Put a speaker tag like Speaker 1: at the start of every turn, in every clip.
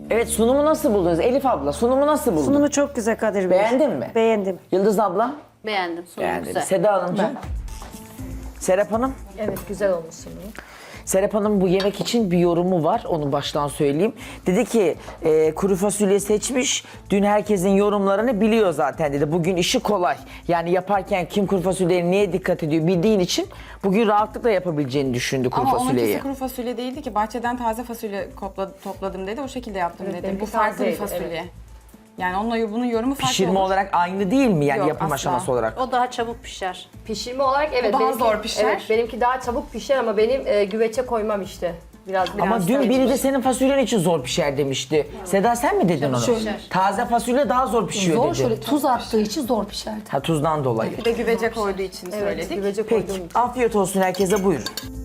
Speaker 1: Evet, sunumu nasıl buldunuz? Elif abla, sunumu nasıl buldun?
Speaker 2: Sunumu çok güzel Kadir Bey.
Speaker 1: Beğendin mi?
Speaker 2: Beğendim.
Speaker 1: Yıldız abla?
Speaker 3: Beğendim. Sunumu
Speaker 1: Beğendim.
Speaker 3: güzel.
Speaker 1: Seda Hanımcığım? Serap Hanım?
Speaker 4: Evet, güzel olmuş sunumu.
Speaker 1: Serap Hanım bu yemek için bir yorumu var, onu baştan söyleyeyim. Dedi ki kuru fasulye seçmiş, dün herkesin yorumlarını biliyor zaten dedi. Bugün işi kolay. Yani yaparken kim kuru fasulyeye neye dikkat ediyor bildiğin için bugün rahatlıkla yapabileceğini düşündü kuru
Speaker 5: Ama
Speaker 1: fasulyeyi.
Speaker 5: onunkisi kuru fasulye değildi ki. Bahçeden taze fasulye topladım dedi. O şekilde yaptım dedi.
Speaker 4: benimki
Speaker 5: Bu farklı bir
Speaker 4: tazeydi,
Speaker 5: fasulye. Yani onunla bunun yorumu farklı
Speaker 1: Pişirme
Speaker 5: olur.
Speaker 1: olarak aynı değil mi yani
Speaker 5: Yok,
Speaker 1: yapım
Speaker 5: asla.
Speaker 1: aşaması olarak?
Speaker 3: O daha çabuk pişer.
Speaker 4: Pişirme olarak evet.
Speaker 5: daha
Speaker 4: benimki-
Speaker 5: zor pişer.
Speaker 4: Evet, benimki daha çabuk pişer ama benim güveçe koymam işte. Biraz
Speaker 1: Ama dün biri de senin fasulyen için zor pişer demişti. Seda sen mi dedin onu?
Speaker 6: Şöyle.
Speaker 1: Taze fasulye daha zor pişiyor
Speaker 6: Zor
Speaker 1: dedi.
Speaker 6: şöyle tuz attığı için zor pişerdi.
Speaker 1: Ha, tuzdan dolayı.
Speaker 5: Bir de güvece koyduğu için
Speaker 4: Evet,
Speaker 5: söyledik.
Speaker 4: güvece koyduğum
Speaker 1: Peki,
Speaker 4: için.
Speaker 1: afiyet olsun herkese, buyurun.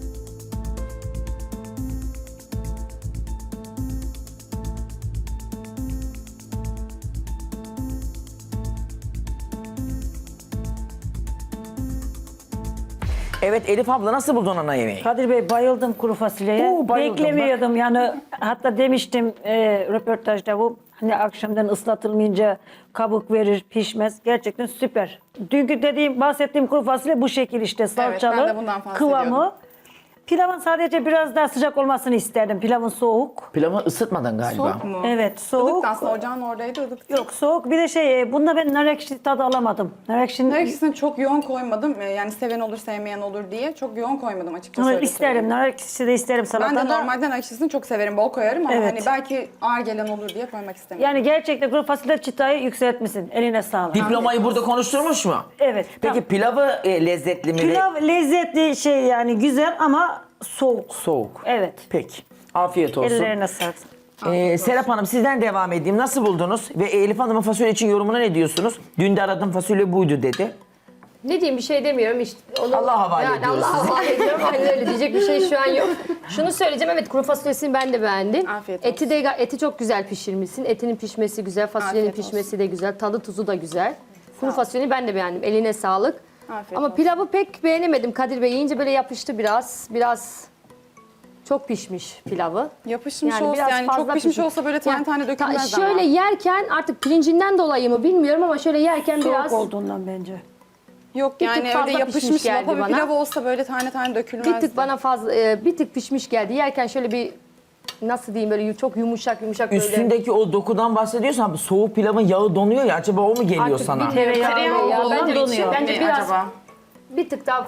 Speaker 1: Evet Elif abla, nasıl buldun ana yemeği?
Speaker 2: Kadir Bey bayıldım kuru fasulyeye.
Speaker 1: Oo, bayıldım,
Speaker 2: Beklemiyordum yani hatta demiştim röportajda bu hani akşamdan ıslatılmayınca kabuk verir pişmez. Gerçekten süper. Dünkü bahsettiğim kuru fasulye bu şekil işte salçalı
Speaker 5: ben de bundan bahsediyordum.
Speaker 2: kıvamı. Pilavın sadece biraz daha sıcak olmasını isterdim. Pilavın soğuk.
Speaker 1: Pilavı ısıtmadın galiba.
Speaker 5: Soğuk mu?
Speaker 2: Evet soğuk.
Speaker 5: Ilıktı aslında, ocağın oradaydı ılık.
Speaker 2: Yok soğuk. Bir de bunda ben nar ekşisi tadı alamadım. Nar ekşisi
Speaker 5: Nar ekşisini çok yoğun koymadım. Yani seven olur sevmeyen olur diye. Çok yoğun koymadım açıkçası. öyle
Speaker 2: isterim.
Speaker 5: söyleyeyim.
Speaker 2: Nar ekşisi de isterim salatada.
Speaker 5: Ben de normalden nar ekşisini çok severim. Bol koyarım ama
Speaker 2: Evet.
Speaker 5: hani belki ağır gelen olur diye koymak istemiyorum.
Speaker 2: Yani gerçekten kuru fasulye çıtayı yükseltmişsin. Eline sağlık.
Speaker 1: Diplomayı burada konuşturmuş mu?
Speaker 2: Evet.
Speaker 1: Peki
Speaker 2: tam-
Speaker 1: pilavı lezzetli mi?
Speaker 2: Pilav lezzetli yani güzel ama soğuk.
Speaker 1: Soğuk.
Speaker 2: Evet.
Speaker 1: Peki. Afiyet olsun.
Speaker 2: Ellerine sağlık.
Speaker 1: Serap Hanım, sizden devam edeyim. Nasıl buldunuz? Ve Elif Hanım'ın fasulye için yorumuna ne diyorsunuz? Dün de aradığım fasulye buydu dedi.
Speaker 4: Ne diyeyim, bir şey demiyorum işte. Onu,
Speaker 1: Allah'a havale
Speaker 4: yani
Speaker 1: ediyoruz
Speaker 4: Allah'a
Speaker 1: sizi.
Speaker 4: havale ediyorum. Aynen öyle, diyecek bir şey şu an yok. Şunu söyleyeceğim, evet kuru fasulyesini ben de beğendim.
Speaker 5: Afiyet
Speaker 4: Eti çok güzel pişirmişsin. Etinin pişmesi güzel, fasulyenin
Speaker 5: Afiyet
Speaker 4: pişmesi de güzel, tadı tuzu da güzel. Kuru fasulyeyi ben de beğendim. Eline sağlık.
Speaker 5: Afiyet
Speaker 4: Ama
Speaker 5: olsun.
Speaker 4: pilavı pek beğenemedim Kadir Bey. Yiyince böyle yapıştı biraz çok pişmiş pilavı.
Speaker 5: Yapışmış
Speaker 4: Yani
Speaker 5: olsa
Speaker 4: biraz
Speaker 5: yani
Speaker 4: fazla
Speaker 5: çok pişmiş olsa böyle tane tane dökülmez ama.
Speaker 4: Şöyle yerken artık pirincinden dolayı mı bilmiyorum ama şöyle yerken
Speaker 2: Soğuk
Speaker 4: biraz
Speaker 2: olduğundan bence.
Speaker 5: Yok
Speaker 4: Bir tık
Speaker 5: yani
Speaker 4: fazla
Speaker 5: öyle
Speaker 4: pişmiş
Speaker 5: yapışmış
Speaker 4: geldi
Speaker 5: lapa bir
Speaker 4: bana.
Speaker 5: pilav olsa böyle tane tane dökülmezdi.
Speaker 4: bir tık bana fazla bir tık pişmiş geldi. Yerken şöyle bir nasıl diyeyim böyle çok yumuşak böyle.
Speaker 1: Üstündeki o dokudan bahsediyorsan soğuk pilavın yağı donuyor ya, acaba o mu geliyor
Speaker 4: Artık
Speaker 1: sana?
Speaker 4: bir tereyağı
Speaker 5: Tereyağı
Speaker 4: ya.
Speaker 5: olduğu
Speaker 4: Bence
Speaker 5: için
Speaker 4: donuyor. Bence
Speaker 5: mi
Speaker 4: biraz
Speaker 5: acaba?
Speaker 4: bir tık daha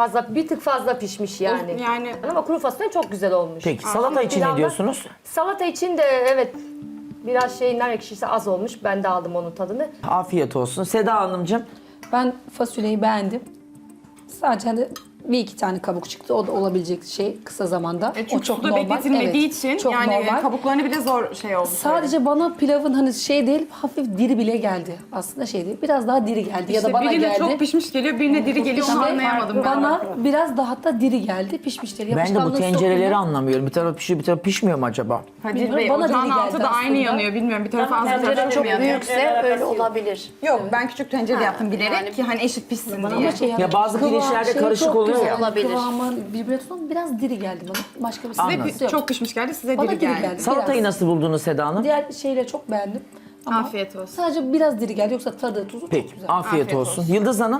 Speaker 4: fazla pişmiş yani.
Speaker 5: Yani
Speaker 4: Ama kuru fasulye çok güzel olmuş.
Speaker 1: Peki salata için ne
Speaker 4: Pilavda-
Speaker 1: diyorsunuz?
Speaker 4: Salata için de evet biraz nar ekşisi az olmuş. Ben de aldım onun tadını.
Speaker 1: Afiyet olsun. Seda Hanımcığım.
Speaker 6: Ben fasulyeyi beğendim. Sadece hani bir iki tane kabuk çıktı. O da olabilecek şey kısa zamanda.
Speaker 5: çünkü
Speaker 6: o çok
Speaker 5: suda
Speaker 6: normal.
Speaker 5: bekletilmediği
Speaker 6: Evet,
Speaker 5: için
Speaker 6: çok
Speaker 5: yani
Speaker 6: normal.
Speaker 5: kabuklarını bile zor şey oldu.
Speaker 6: Sadece bana pilavın hani şey değil, hafif diri bile geldi. Aslında şey değil, biraz daha diri geldi ya da bana
Speaker 5: birine
Speaker 6: geldi.
Speaker 5: çok pişmiş geliyor, birine diri geliyor. Onu
Speaker 6: İşte
Speaker 5: anlayamadım ben.
Speaker 6: bana biraz daha da diri geldi, pişmiş değil.
Speaker 1: Ben de bu
Speaker 6: Yapışkanlığı
Speaker 1: tencereleri
Speaker 6: sokmuyor.
Speaker 1: anlamıyorum. Bir taraf pişiyor, bir taraf pişmiyor mu acaba?
Speaker 5: Kadir
Speaker 6: Bilmiyorum,
Speaker 5: Bey,
Speaker 6: bana
Speaker 5: ocağın
Speaker 6: diri geldi
Speaker 5: altı da aynı
Speaker 6: aslında.
Speaker 5: yanıyor. Bilmiyorum, bir tarafı az bir
Speaker 3: Tencere
Speaker 5: tarafı
Speaker 3: çok
Speaker 5: mı yanıyor?
Speaker 3: büyükse öyle olabilir.
Speaker 5: Yok, ben küçük tencere yaptım bilerek ki hani eşit pişsin diye.
Speaker 6: Ama şey
Speaker 1: Ya bazı pirinçlerde
Speaker 6: şey
Speaker 1: karışık
Speaker 6: çok
Speaker 1: oluyor
Speaker 6: güzel.
Speaker 1: ya.
Speaker 3: Olabilir.
Speaker 6: Kıvamı birbirine tutan biraz diri geldi bana. Başka bir
Speaker 1: Anladım.
Speaker 6: sıkıntısı yok.
Speaker 5: Çok pişmiş geldi, size
Speaker 6: Bana
Speaker 5: diri
Speaker 6: diri
Speaker 5: geldi.
Speaker 6: geldi.
Speaker 1: Salatayı
Speaker 6: Biraz.
Speaker 1: nasıl buldunuz Seda Hanım?
Speaker 6: Diğer şeyleri çok beğendim. Ama
Speaker 5: Afiyet olsun.
Speaker 6: sadece biraz diri geldi. Yoksa tadı, tuzu
Speaker 1: Peki,
Speaker 6: çok güzel.
Speaker 1: afiyet
Speaker 5: Afiyet
Speaker 1: olsun.
Speaker 5: olsun.
Speaker 1: Yıldız Hanım.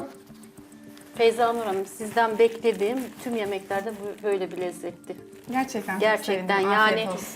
Speaker 3: Feyza Nur Hanım, sizden beklediğim tüm yemeklerde böyle bir lezzetti.
Speaker 5: Gerçekten. çok
Speaker 3: Gerçekten
Speaker 5: sevindim.
Speaker 3: yani
Speaker 5: Afiyet olsun.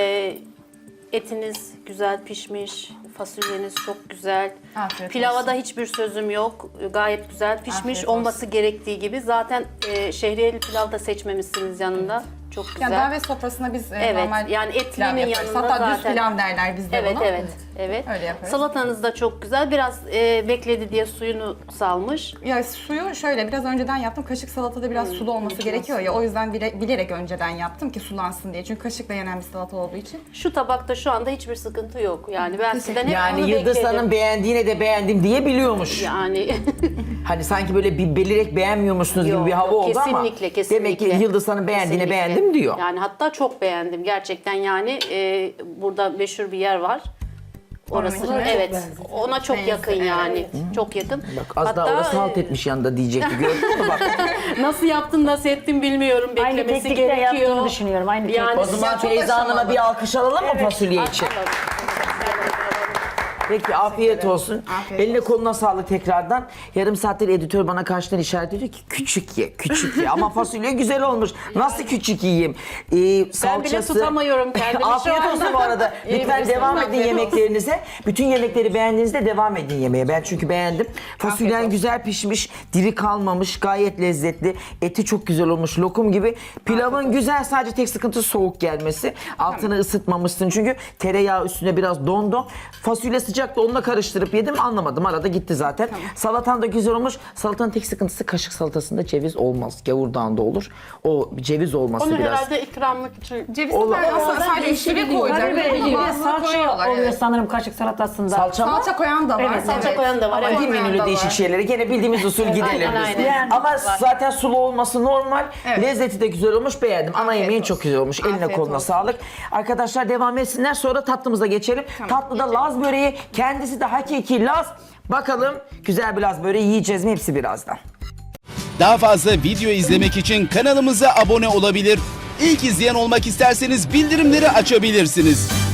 Speaker 3: etiniz güzel pişmiş, fasulyeniz çok güzel.
Speaker 5: Afiyet
Speaker 3: Pilava
Speaker 5: olsun.
Speaker 3: da hiçbir sözüm yok. Gayet güzel pişmiş,
Speaker 5: Afiyet
Speaker 3: olması gerektiği gibi. Zaten şehriyeli pilav da seçmemişsiniz yanında. Çok güzel.
Speaker 5: Ya davet sofrasına biz
Speaker 3: Evet,
Speaker 5: normal
Speaker 3: yani
Speaker 5: pilav
Speaker 3: etlinin
Speaker 5: yaparız.
Speaker 3: yanında
Speaker 5: Hatta düz
Speaker 3: zaten.
Speaker 5: pilav derler bizde
Speaker 3: Evet,
Speaker 5: buna.
Speaker 3: evet.
Speaker 5: Öyle yaparız.
Speaker 3: Salatanız da çok güzel. Biraz bekledi diye suyunu salmış.
Speaker 5: Ya suyu şöyle biraz önceden yaptım. Kaşık salatada biraz sulu olması gerekiyor ya. O yüzden bilerek önceden yaptım ki sulansın diye. Çünkü kaşıkla yenen bir salata olduğu için.
Speaker 3: Şu tabakta şu anda hiçbir sıkıntı yok. Yani ben sizden hep onu
Speaker 1: Yani Yıldız
Speaker 3: bekledim.
Speaker 1: Hanım beğendiğine de beğendim diye biliyormuş.
Speaker 3: Yani
Speaker 1: Hani sanki böyle bir belirerek beğenmiyormuşsunuz gibi
Speaker 3: Yok,
Speaker 1: bir hava
Speaker 3: yok,
Speaker 1: oldu ama
Speaker 3: kesinlikle.
Speaker 1: demek ki Yıldız Hanım beğendiğine
Speaker 3: Kesinlikle.
Speaker 1: beğendim diyor.
Speaker 3: Yani hatta çok beğendim gerçekten yani burada meşhur bir yer var. Orası
Speaker 5: Onunki.
Speaker 3: evet.
Speaker 6: benziyor.
Speaker 3: Ona çok yakın yani. Çok yakın.
Speaker 1: Bak az daha orası halt etmiş yanında diyecekti. Gördün mü bak.
Speaker 3: Nasıl yaptın, nasıl ettin bilmiyorum.
Speaker 2: Aynı
Speaker 3: Beklemesi
Speaker 2: teknikte
Speaker 3: gerekiyor.
Speaker 2: yaptığını düşünüyorum. Aynı
Speaker 3: Yani
Speaker 1: O zaman
Speaker 5: çok
Speaker 1: Feyza Hanım'a
Speaker 5: aşamalı.
Speaker 1: bir alkış alalım mı fasulye için? Peki afiyet olsun.
Speaker 5: Afiyet
Speaker 1: Eline koluna sağlık tekrardan. Yarım saattir editör bana karşıdan işaret ediyor ki küçük ye, küçük ye. Ama fasulye güzel olmuş. Nasıl küçük yiyeyim? Salçası.
Speaker 3: tutamıyorum kendimi şu
Speaker 1: Afiyet
Speaker 3: anda.
Speaker 1: olsun bu arada. Lütfen devam edin
Speaker 5: Afiyet olsun.
Speaker 1: yemeklerinize. Bütün yemekleri beğendiğinizde devam edin yemeğe. Ben çünkü beğendim. Fasulyen
Speaker 5: olsun.
Speaker 1: güzel pişmiş, diri kalmamış, gayet lezzetli. Eti çok güzel olmuş, lokum gibi. Pilavın güzel, sadece tek sıkıntı soğuk gelmesi. Altını ısıtmamışsın çünkü tereyağı üstüne biraz dondu. Fasulye sıcaktı, onunla karıştırıp yedim, anlamadım. Arada gitti zaten. Salatan da güzel olmuş. Salatanın tek sıkıntısı kaşık salatasında ceviz olmaz. Gavurdağında olur. O ceviz olması
Speaker 3: Onu
Speaker 1: biraz.
Speaker 3: herhalde ikramlık için.
Speaker 5: Ceviz
Speaker 1: Olur.
Speaker 5: aslında sadece üstüne koyacak.
Speaker 2: Kadir Bey, bir de
Speaker 5: Bazıları
Speaker 2: salça
Speaker 5: koyuyorlar,
Speaker 2: oluyor
Speaker 5: evet.
Speaker 2: sanırım kaşık salatasında.
Speaker 1: Salça mı?
Speaker 5: Salça koyan da var.
Speaker 2: Evet,
Speaker 3: salça koyan da var,
Speaker 5: Ama
Speaker 3: evet.
Speaker 1: Bir menülü
Speaker 5: da
Speaker 1: değişik
Speaker 5: var.
Speaker 1: şeyleri. Gene bildiğimiz usul gidelim
Speaker 3: aynen,
Speaker 1: biz.
Speaker 3: aynen.
Speaker 1: Ama zaten sulu olması normal.
Speaker 5: Evet.
Speaker 1: Lezzeti de güzel olmuş. Beğendim. Ana
Speaker 5: Afiyet
Speaker 1: yemeğin
Speaker 5: olsun.
Speaker 1: çok güzel olmuş. Eline
Speaker 5: Afiyet
Speaker 1: koluna
Speaker 5: olsun.
Speaker 1: sağlık. Arkadaşlar devam etsinler. Sonra tatlımıza geçelim. Tatlıda Laz böreği. Kendisi de hakiki Laz. Bakalım güzel bir Laz böreği yiyeceğiz mi? Hepsi birazdan.
Speaker 7: Daha fazla video izlemek için kanalımıza abone olabilir. İlk izleyen olmak isterseniz bildirimleri açabilirsiniz.